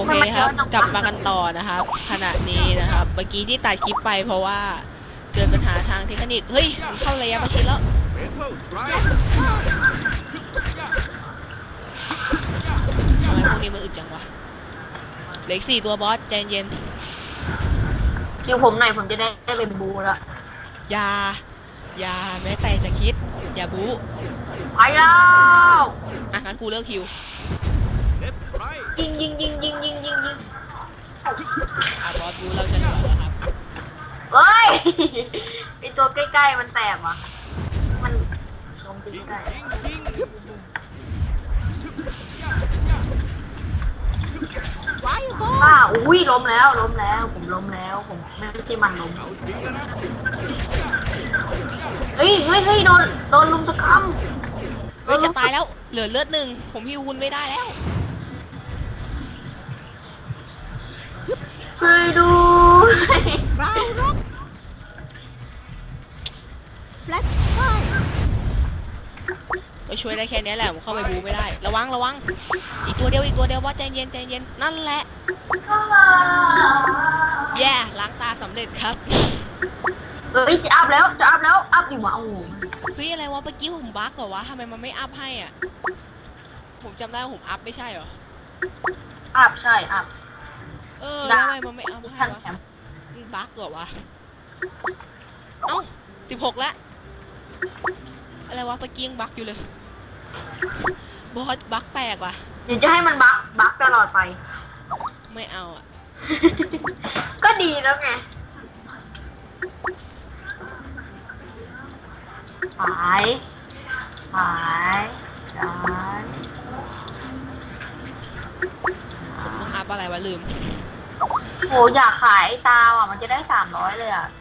เคครับกลับมากันต่อนะครับขณะนี้นะครับเมื่อกี้ที่ตัดคลิปไปเพราะว่าเกิดปัญหาทางเทคนิคเฮ้ยมันเข้าระยะประชิดแล้วทำไมพวกนี้มันอึดจังวะเหลืออีก4 ตัวบอสใจเย็นคิวผมหน่อยผมจะได้เป็นบูแล้วอย่าแม้แต่จะคิดอย่าบู๊ไปแล้วงั้นกูเลิกคิวยิงบอสบู๊เราจะเหลือแล้วครับเฮ้ยไอตัวใกล้ๆมันแตกว่ะมันลงใกล้อุ้ยล้มแล้วผมล้มแล้วผมไม่ใช่มันล้มเฮ้ยโดนลุมตะคำจะตายแล้วเหลือเลือด1ผมฮิวคุณไม่ได้แล้วช่วยดูก็ช่วยได้แค่นี้แหละผมเข้าไปบูไม่ได้ระวังอีกตัวเดียวว่าใจเย็นนั่นแหละแย่ล้างตาสำเร็จครับจะอัพแล้วอัพดิวะโอ้เฮ้ยอะไรวะเมื่อกี้ผมบั๊กเหรอวะทำไมมันไม่อัพให้อ่ะผมจำได้ว่าผมอัพไม่ใช่เหรออัพใช่อัพทำไมมันไม่อัพให้วะบั๊กเหรอวะ16แล้วอะไรวะเมื่อกี้ยังบั๊กอยู่เลยบอสบั๊กแปลกว่ะเดี๋ยวจะให้มันบั๊กตลอดไปไม่เอาอ่ะก็ดีแล้วไงหายผมต้องอัพอะไรวะลืมโหอยากขายตาอ่ะมันจะได้300เลยอ่ะ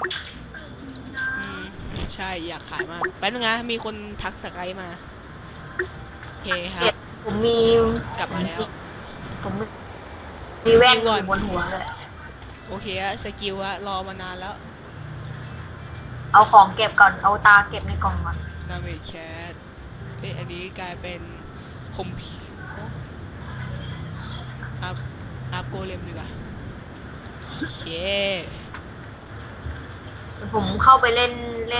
ใช่อยากขายมากแป๊บนึงนะมีคนทักสกายมาโอเคครับผมมีกลับมาแล้วผมมีแว่นอยู่บนหัวเลยโอเคอะสกิลอะรอมานานแล้วเอาของเก็บก่อนเอาตาเก็บในกล่องก่อนนาเมจแคทอันนี้กลายเป็นคมผีอัพโกเลมดีกว่าโอเคผมเข้าไปเล่น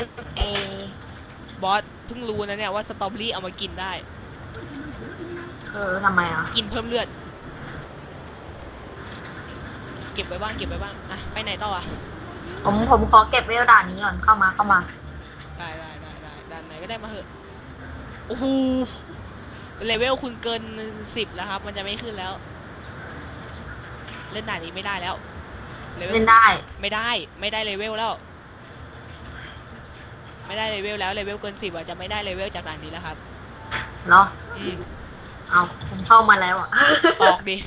บอสเพิ่งรู้นะเนี่ยว่าสตรอเบอรี่เอามากินได้ทำไมอ่ะกินเพิ่มเลือดเก็บไว้บ้างอะไปไหนต่ออ่ะผมขอเก็บไว้ด่านนี้ก่อนเข้ามาได้ด่านไหนก็ได้มาเถอะโอ้โหเลเวลคุณเกิน10แล้วครับมันจะไม่ขึ้นแล้วเล่นด่านนี้ไม่ได้แล้วเล่นได้ไม่ได้เลเวลแล้วไม่ได้เลเวลแล้วเลเวลเกิน10อ่ะจะไม่ได้เลเวลจากด่านนี้แล้วครับเหรอเอาผมเข้ามาแล้วอ่ะออกดิ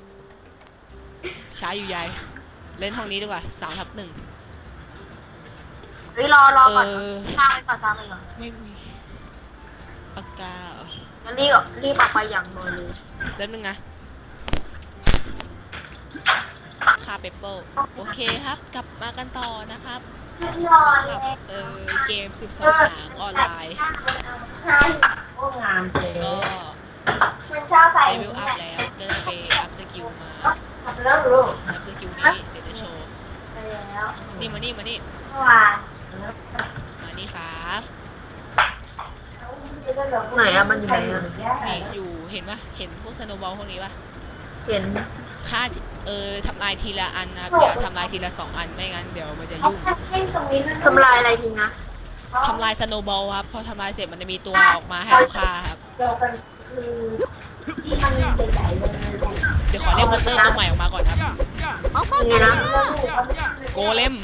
ช้าอยู่ใหญ่เล่นห้องนี้ดีกว่า3/1 เฮ้ยรอก่อนสร้างไปก่อนไม่มีปากกางั้นรีบออกไปอย่างเร็วเลยเล่นนึงนะคาเปเปิลโอเคครับกลับมากันต่อนะครับกับเกม12 หางออนไลน์ก็งามเลยก็เลเวลอัพแล้วก็จะไปอัพสกิลมาอัพสกิลนี้เดี๋ยวจะโชว์นี่มานี่มานี่ครับไหนอะมันอยู่ไหนอะนี่อยู่เห็นปะเห็นพวกสโนว์บอลพวกนี้ปะเห็นค่าทำลายทีละอันนะอย่าทำลายทีละ2 อันไม่งั้นเดี๋ยวมันจะยุ่งทำลายอะไรทีนะทำลายสโนว์บอลครับพอทำลายเสร็จมันจะมีตัวออกมาให้เราฆ่าครับเดี๋ยวขอเรียกมอนเตอร์ตัวใหม่ออกมาก่อนครับนี่นะโกเลม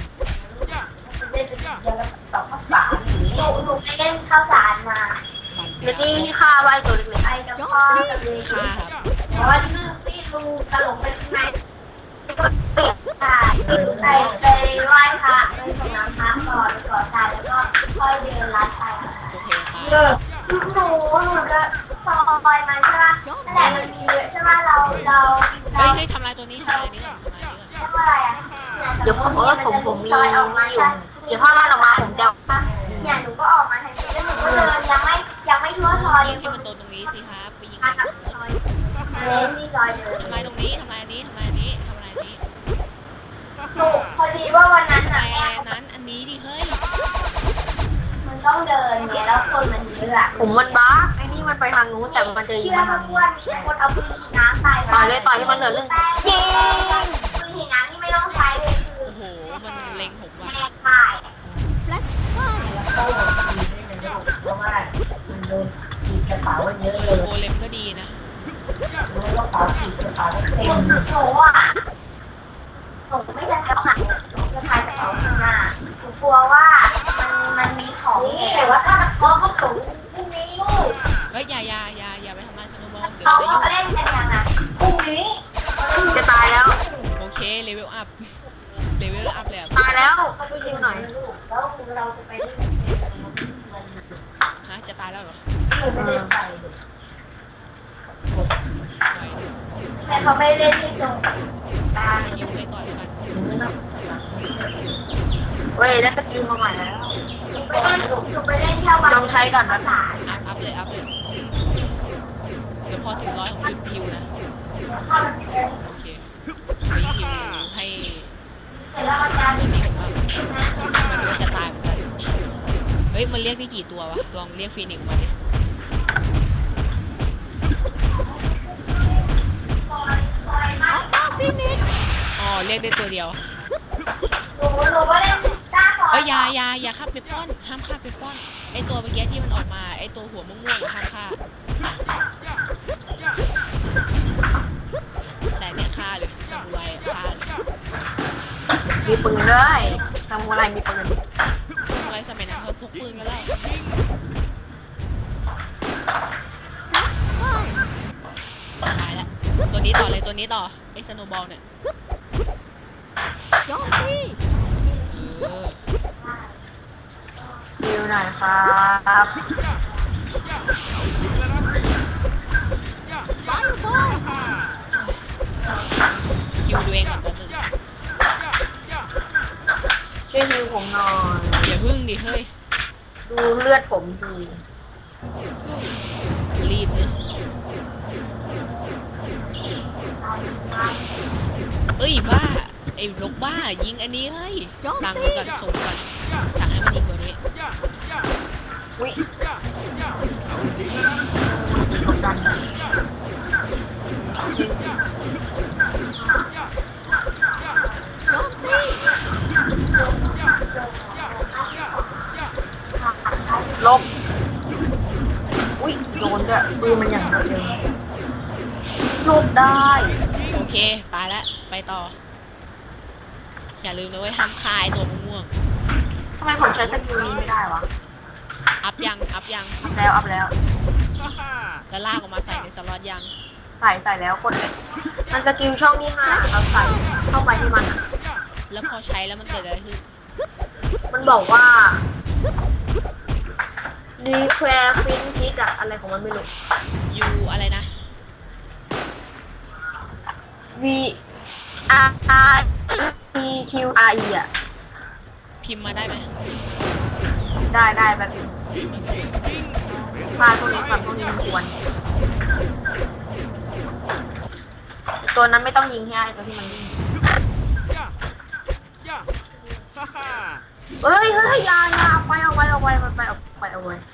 หนูไปเล่นข้าวสารมาแล้วที่ฆ่าไว้ตัวเล็กๆไอ้กับพ่อกับเลยฆ่าครับเพราะว่าที่ลูกตลกไปข้างในไปไหว้พระไปส่งน้ำพระก่อนก่อทรายแล้วก็ค่อยเดินลัดไปโอเคครับหนูก็ซอยมาใช่ไหมนั่นแหละมันมีเยอะใช่ไหมเราเฮ้ยทำลายตัวนี้ทำลายนี้ก่อนเรียกว่าอะไรอ่ะเดี๋ยวผมมีอยู่เดี๋ยวพ่อมาออกมาผมจะเนี่ยหนูก็ออกมาทันทีแล้วหนูก็เดินยังไม่ทั่วซอยยิงที่มันโดนตรงนี้สิครับไปยิงเล่นนี่ซอยเดินทำลายตรงนี้ทำลายว่าวันนั้นแต่น่ะแม่นั้นอันนี้ดิเฮ้ยมันต้องเดินเนี่ยแล้วคนมันเยอะอะผมมันบ้าไอ้นี่มันไปทางนู้นแต่มันจะยิงมาทางนี้มีคนเอาปืนฉีดน้ำใส่ต่อยเลยต่อยให้มันเหลือเรื่องยิงปืนฉีดน้ำนี่ไม่ต้องใช้เลยคือโอ้โหมันเล็งผมว่ะแม่ค่ายเพราะว่ามันโดนฉีดกระเป๋าเยอะเลยโกเลมก็ดีนะรู้ว่ากระเป๋าฉีดกระเป๋าเต็มหนูอ่ะหนูไม่จะเอาหันจะพายกระเป๋าข้างหน้าหนูกลัวว่ามันมีของนี่แต่ว่าถ้ามันเขาสูงพรุ่งนี้ลูกเฮ้ยอย่าไปทำลายสโนว์บอลเดี๋ยวเขาจะยุ่งเล่นกันยังไงพรุ่งนี้จะตายแล้วโอเคเลเวลอัพเลเวลอัพเลยอะตายแล้วเขาไปยิงหน่อยแล้วเราจะไปเล่นฮะจะตายแล้วเหรอไม่ได้ไปไหวเลยแต่เขาไม่เล่นที่ตรงตายยิงไปก่อนแล้วกันเว้ยแล้วสกิลมาใหม่แล้วไปเล่นหนูไปเล่นแค่วันลองใช้ก่อนนะอัพเลยเดี๋ยวพอถึง100ผมหยุดพิวนะโอเคมีพิวให้เสร็จแล้วอาจารย์ตัวนี้ผมว่ามันก็จะตายเหมือนกันเฮ้ยมันเรียกได้กี่ตัววะลองเรียกฟีนิกซ์มาดิอ๋อเรียกได้ตัวเดียวหนูก็เล่นจ้าก่อนเอ้ยอย่าฆ่าเปปปอนห้ามฆ่าเปปปอนไอตัวเมื่อกี้ที่มันออกมาไอตัวหัวม่วงๆห้ามฆ่าแต่เนี่ยฆ่าเลยซามูไรอะฆ่าเลยมีปืนด้วยทำอะไรมีปืนซามูไรสมัยนั้นเขาพกปืนกันแล้วตายแล้วตัวนี้ต่อเลยตัวนี้ต่อไอสโนว์บอลเนี่ยเออคิวหน่อยครับคิวดูเองก่อนแป๊บนึงช่วยฮิวผมหน่อยอย่าพึ่งดิเฮ้ยดูเลือดผมดีรีบเลยเอ้ยบ้าไอ้ลกบ้ายิงอันนี้เฮ้ยสั่งไปก่อนส่งก่อนสั่งให้มันยิงตัวนี้อุ้ยลบอุ้ยโดนด้วยปืนมันอย่างเร็วลบได้โอเคตายแล้วไปต่อ อย่าลืมนะเว้ยห้ามคายตัวม่วงทำไมผมใช้สกิลนี้ไม่ได้วะอัพยังอัพแล้วแล้วลากออกมาใส่ในสล็อตยังใส่แล้วกดเลยมันสกิลช่องที่5เราใส่เข้าไปที่มันอะแล้วพอใช้แล้วมันเกิดอะไรขึ้นมันบอกว่าดีแควร์ฟินพิกอะอะไรของมันไม่รู้ยูอะไรนะ V R P Q R E อะพิมพ์มาได้ไหมได้แบบนี้พาพวกนี้ก่อนพวกนี้มันควรตัวนั้นไม่ต้องยิงให้ไอ้ตัวที่มันยิงเฮ้ยอย่าเอาไปมันไปเอาไป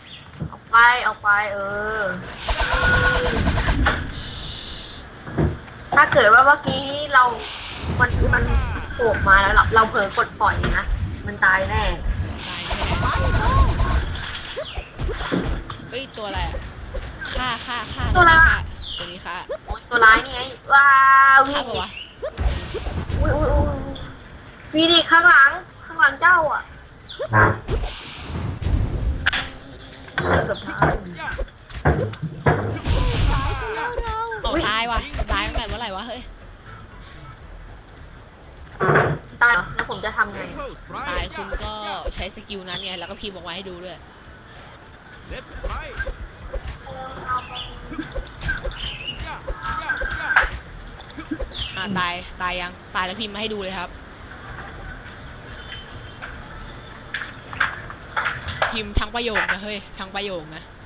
ถ้าเกิดว่าเมื่อกี้มันโผล่มาแล้วเราเผลอกดปล่อยนะมันตายแน่ตายแน่เฮ้ยตัวอะไรอะฆ่าตัวนี้ฆ่าโอ้ยตัวร้ายนี่ไงว้าววิ่ฆ่าง ปะวะอุ้ยฟีนิกซ์ข้างหลังเจ้าอ่ะเกือบตายเอาตายว่ะตายตั้งแต่เมื่อไหร่วะเฮ้ยตายเหรอแล้วผมจะทำไงตายคุณก็ใช้สกิลนั้นไงแล้วก็พิมพ์ออกมาให้ดูด้วยตายยังตายแล้วพิมพ์มาให้ดูเลยครับ พิมพ์ทั้งประโยคนะเฮ้ยทั้งประโยคนะ